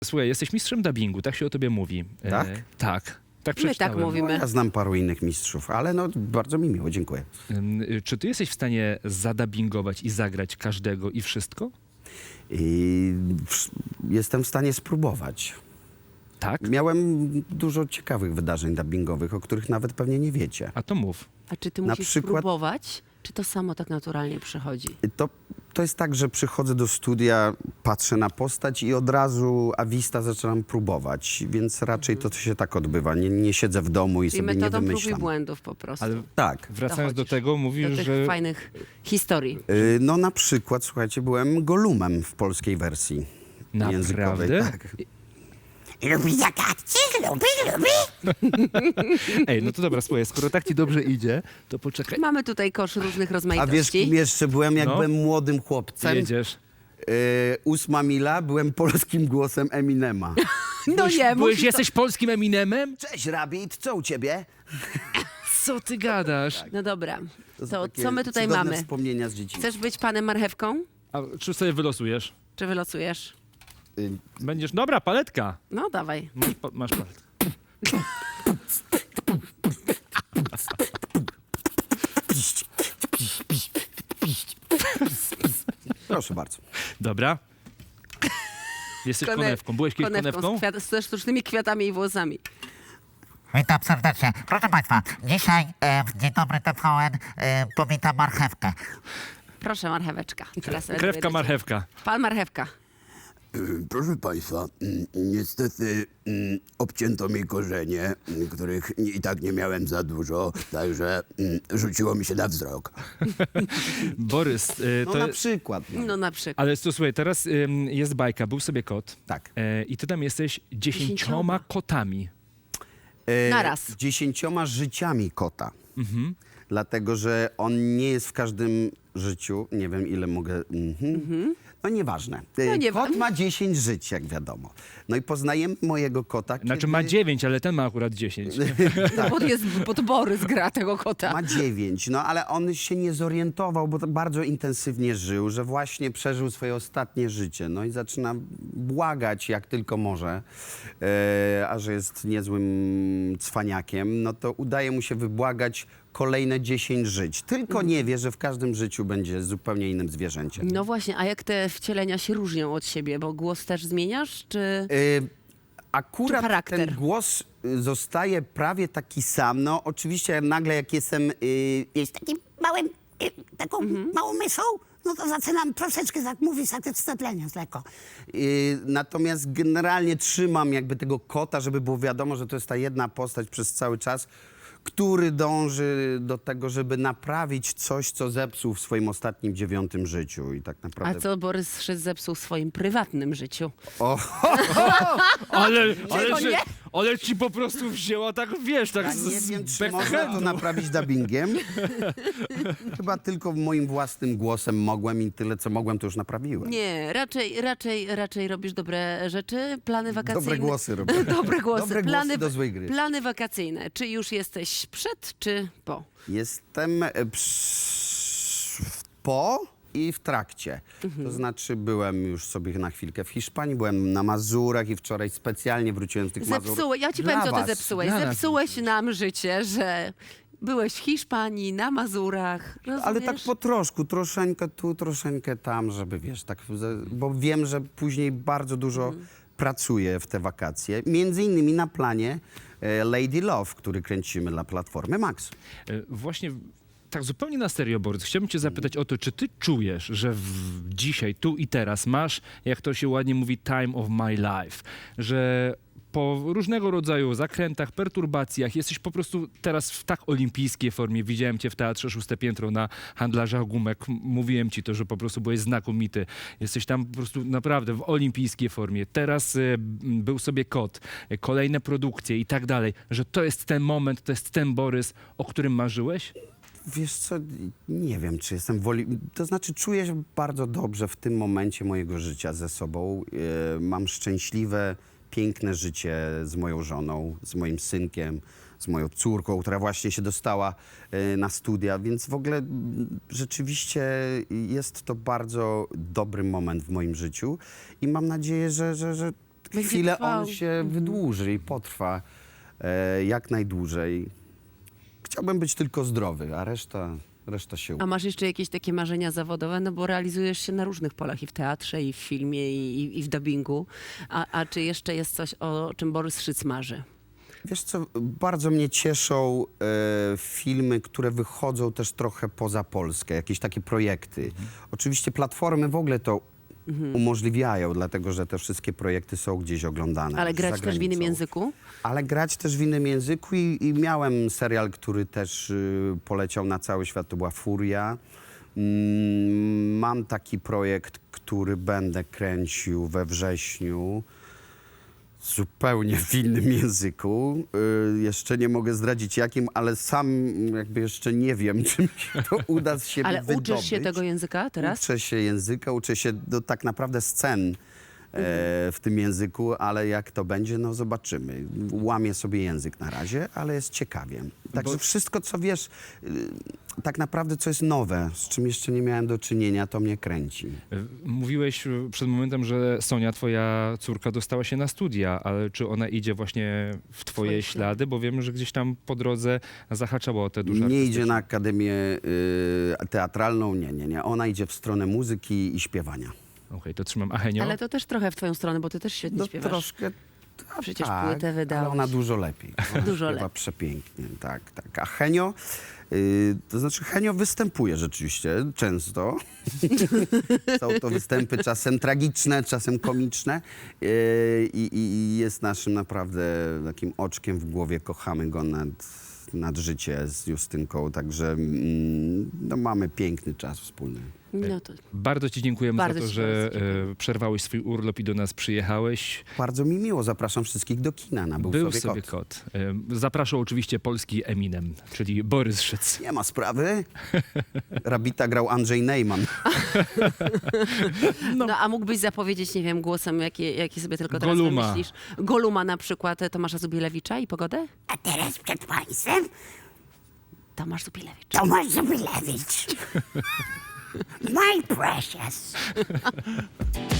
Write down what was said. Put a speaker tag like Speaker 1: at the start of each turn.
Speaker 1: Słuchaj, jesteś mistrzem dubbingu, tak się o tobie mówi.
Speaker 2: Tak?
Speaker 1: Tak. Tak
Speaker 3: My tak
Speaker 1: przeczytałem.
Speaker 3: mówimy.
Speaker 2: Ja znam paru innych mistrzów, ale no bardzo mi miło, dziękuję.
Speaker 1: Czy ty jesteś w stanie zadubbingować i zagrać każdego i wszystko?
Speaker 2: I jestem w stanie spróbować.
Speaker 1: Tak?
Speaker 2: Miałem dużo ciekawych wydarzeń dubbingowych, o których nawet pewnie nie wiecie.
Speaker 1: A to mów.
Speaker 3: A czy ty
Speaker 2: Na
Speaker 3: musisz
Speaker 2: przykład-
Speaker 3: próbować, czy to samo tak naturalnie przychodzi?
Speaker 2: To jest tak, że przychodzę do studia, patrzę na postać i od razu a vista zaczynam próbować, więc raczej to się tak odbywa. Nie siedzę w domu i
Speaker 3: Czyli
Speaker 2: sobie nie
Speaker 3: metodą prób i
Speaker 2: wymyślam.
Speaker 3: błędów po prostu.
Speaker 1: Ale
Speaker 2: Tak.
Speaker 1: wracając do
Speaker 3: Dochodzisz
Speaker 1: tego, mówisz,
Speaker 3: do tych
Speaker 1: że...
Speaker 3: fajnych historii.
Speaker 2: No na przykład, słuchajcie, byłem Golumem w polskiej wersji językowej.
Speaker 1: Naprawdę?
Speaker 2: Tak.
Speaker 4: Lubi zagadki, lubi.
Speaker 1: Ej, no to dobra, słuchaj, skoro tak ci dobrze idzie, to poczekaj.
Speaker 3: Mamy tutaj kosz różnych
Speaker 2: A
Speaker 3: rozmaitości.
Speaker 2: wiesz, kim jeszcze byłem, jak
Speaker 1: No.
Speaker 2: byłem młodym chłopcem?
Speaker 1: Jedziesz.
Speaker 2: 8 mila, byłem polskim głosem Eminema.
Speaker 3: No nie, musisz
Speaker 1: Jesteś polskim Eminemem?
Speaker 2: Cześć, Rabbit, co u ciebie?
Speaker 1: Co ty gadasz?
Speaker 3: No dobra,
Speaker 2: są
Speaker 3: to
Speaker 2: takie
Speaker 3: co my tutaj
Speaker 2: cudowne
Speaker 3: mamy?
Speaker 2: wspomnienia z dzieciństwa.
Speaker 3: Chcesz być panem marchewką,
Speaker 1: A czy sobie wylosujesz?
Speaker 3: czy wylosujesz?
Speaker 1: Będziesz... Dobra, paletka.
Speaker 3: No dawaj.
Speaker 1: Masz paletkę.
Speaker 2: Proszę bardzo.
Speaker 1: Dobra. Jesteś konewką. Byłeś kiedyś konewką?
Speaker 3: ze sztucznymi kwiatami i włosami.
Speaker 4: Witam serdecznie. Proszę Państwa, dzisiaj w Dzień Dobry TVN powitam marchewkę.
Speaker 3: Proszę, marcheweczka. Teraz
Speaker 1: Krewka, marchewka.
Speaker 3: Pan marchewka.
Speaker 5: Proszę Państwa, niestety obcięto mi korzenie, których i tak nie miałem za dużo, także rzuciło mi się na wzrok.
Speaker 1: Borys,
Speaker 2: No
Speaker 1: to...
Speaker 2: na przykład. No.
Speaker 3: No na przykład.
Speaker 1: Ale to słuchaj, teraz jest bajka, był sobie kot.
Speaker 2: Tak.
Speaker 1: I ty tam jesteś 10
Speaker 3: 10
Speaker 1: kotami.
Speaker 3: Naraz.
Speaker 2: 10 życiami kota.
Speaker 1: Mhm.
Speaker 2: Dlatego, że on nie jest w każdym życiu. Nie wiem, ile mogę... No nieważne. Kot ma 10 żyć, jak wiadomo. No i poznajemy mojego kota,
Speaker 1: Znaczy
Speaker 2: kiedy...
Speaker 1: ma 9, ale ten ma akurat 10.
Speaker 3: No, bo jest podbory z gra tego kota.
Speaker 2: Ma 9, no ale on się nie zorientował, bo to bardzo intensywnie żył, że właśnie przeżył swoje ostatnie życie. No i zaczyna błagać jak tylko może, a że jest niezłym cwaniakiem, no to udaje mu się wybłagać kolejne 10 żyć. Tylko nie wie, że w każdym życiu będzie zupełnie innym zwierzęciem.
Speaker 3: No właśnie, a jak te wcielenia się różnią od siebie? Bo głos też zmieniasz, czy... Czy
Speaker 2: Akurat
Speaker 3: charakter?
Speaker 2: ten głos zostaje prawie taki sam. No oczywiście nagle jak jestem...
Speaker 4: Jest takim małym, taką małą myszą, no to zaczynam troszeczkę tak mówić, tak wstatleniać lekko.
Speaker 2: Natomiast generalnie trzymam jakby tego kota, żeby było wiadomo, że to jest ta jedna postać przez cały czas, który dąży do tego, żeby naprawić coś, co zepsuł w swoim ostatnim 9 życiu. I tak
Speaker 3: A
Speaker 2: naprawdę...
Speaker 3: co Borys Szyc zepsuł w swoim prywatnym życiu?
Speaker 1: Ale ci po prostu wzięła tak, wiesz, tak
Speaker 2: Ja nie wiem, czy można to naprawić dubbingiem. Chyba tylko moim własnym głosem mogłem i tyle, co mogłem, to już naprawiłem.
Speaker 3: Nie, raczej robisz dobre rzeczy, plany wakacyjne.
Speaker 2: Dobre głosy robię.
Speaker 3: Dobre głosy.
Speaker 2: Dobre głosy do złej gry.
Speaker 3: Plany wakacyjne. Czy już jesteś przed, czy po?
Speaker 2: Jestem po i w trakcie. To znaczy byłem już sobie na chwilkę w Hiszpanii, byłem na Mazurach i wczoraj specjalnie wróciłem z tych Mazur.
Speaker 3: Ja ci
Speaker 2: dla
Speaker 3: powiem, co ty
Speaker 2: was.
Speaker 3: zepsułeś.
Speaker 1: Dla nas.
Speaker 3: Zepsułeś nam życie, że byłeś w Hiszpanii, na Mazurach, rozumiesz?
Speaker 2: Ale tak po troszku, troszeczkę tu, troszeczkę tam, żeby wiesz, tak, bo wiem, że później bardzo dużo pracuję w te wakacje. Między innymi na planie Lady Love, który kręcimy dla Platformy Max.
Speaker 1: Właśnie tak zupełnie na serio, Borys, chciałbym cię zapytać o to, czy ty czujesz, że dzisiaj, tu i teraz masz, jak to się ładnie mówi, time of my life, że po różnego rodzaju zakrętach, perturbacjach jesteś po prostu teraz w tak olimpijskiej formie. Widziałem cię w Teatrze Szóste Piętro na Handlarzach Gumek. Mówiłem ci to, że po prostu byłeś znakomity. Jesteś tam po prostu naprawdę w olimpijskiej formie. Teraz był sobie kot, kolejne produkcje i tak dalej, że to jest ten moment, to jest ten Borys, o którym marzyłeś?
Speaker 2: Wiesz co, nie wiem, czy jestem woli... To znaczy czuję się bardzo dobrze w tym momencie mojego życia ze sobą. Mam szczęśliwe, piękne życie z moją żoną, z moim synkiem, z moją córką, która właśnie się dostała na studia, więc w ogóle rzeczywiście jest to bardzo dobry moment w moim życiu i mam nadzieję, że
Speaker 3: Będzie
Speaker 2: chwilę
Speaker 3: trwał.
Speaker 2: on się wydłuży i potrwa jak najdłużej. Chciałbym być tylko zdrowy, a reszta się uda.
Speaker 3: A masz jeszcze jakieś takie marzenia zawodowe? No bo realizujesz się na różnych polach, i w teatrze, i w filmie, i w dubbingu. A czy jeszcze jest coś, o czym Borys Szyc marzy?
Speaker 2: Wiesz co, bardzo mnie cieszą filmy, które wychodzą też trochę poza Polskę, jakieś takie projekty. Oczywiście platformy w ogóle to umożliwiają, dlatego że te wszystkie projekty są gdzieś oglądane.
Speaker 3: Ale
Speaker 2: za
Speaker 3: grać też w innym
Speaker 2: granicą.
Speaker 3: języku?
Speaker 2: Ale grać też w innym języku i miałem serial, który też poleciał na cały świat, to była Furia. Mam taki projekt, który będę kręcił we wrześniu, zupełnie w innym języku. Jeszcze nie mogę zdradzić jakim, ale sam jakby jeszcze nie wiem, czy mi się to uda z siebie
Speaker 3: Ale
Speaker 2: wydobyć.
Speaker 3: uczysz się tego języka teraz?
Speaker 2: Uczę się języka, uczę się tak naprawdę scen w tym języku, ale jak to będzie, no zobaczymy. Łamię sobie język na razie, ale jest ciekawie. Także wszystko, co wiesz, tak naprawdę co jest nowe, z czym jeszcze nie miałem do czynienia, to mnie kręci.
Speaker 1: Mówiłeś przed momentem, że Sonia, twoja córka, dostała się na studia, ale czy ona idzie właśnie w twoje ślady? Bo wiem, że gdzieś tam po drodze zahaczała o te duże
Speaker 2: Nie idzie na akademię teatralną, nie. Ona idzie w stronę muzyki i śpiewania.
Speaker 1: Okej, to trzymam. A Henio?
Speaker 3: Ale to też trochę w twoją stronę, bo ty też świetnie
Speaker 2: No
Speaker 3: śpiewasz.
Speaker 2: troszkę.
Speaker 3: Przecież
Speaker 2: tak,
Speaker 3: płytę wydałeś.
Speaker 2: ale ona dużo lepiej. Ona
Speaker 3: Dużo
Speaker 2: śpiewa
Speaker 3: lepiej.
Speaker 2: przepięknie, tak. A Henio, to znaczy Henio występuje rzeczywiście często. Są to występy czasem tragiczne, czasem komiczne i jest naszym naprawdę takim oczkiem w głowie. Kochamy go nad życie z Justynką, także no, mamy piękny czas wspólny.
Speaker 3: No to
Speaker 1: Bardzo ci dziękujemy
Speaker 3: Bardzo
Speaker 1: za to,
Speaker 3: ci
Speaker 1: że
Speaker 3: bardzo dziękuję.
Speaker 1: przerwałeś swój urlop i do nas przyjechałeś.
Speaker 2: Bardzo mi miło, zapraszam wszystkich do kina na
Speaker 1: Był sobie kot. Zapraszał oczywiście polski Eminem, czyli Borys Szyc.
Speaker 2: Nie ma sprawy. Rabita grał Andrzej Neyman.
Speaker 3: No. a mógłbyś zapowiedzieć, nie wiem, głosem, jaki sobie tylko teraz
Speaker 1: Goluma.
Speaker 3: wymyślisz? Goluma na przykład Tomasza Zubilewicza i Pogodę?
Speaker 4: A teraz przed państwem
Speaker 3: Tomasz Zubilewicz.
Speaker 4: Tomasz Zubilewicz. My precious.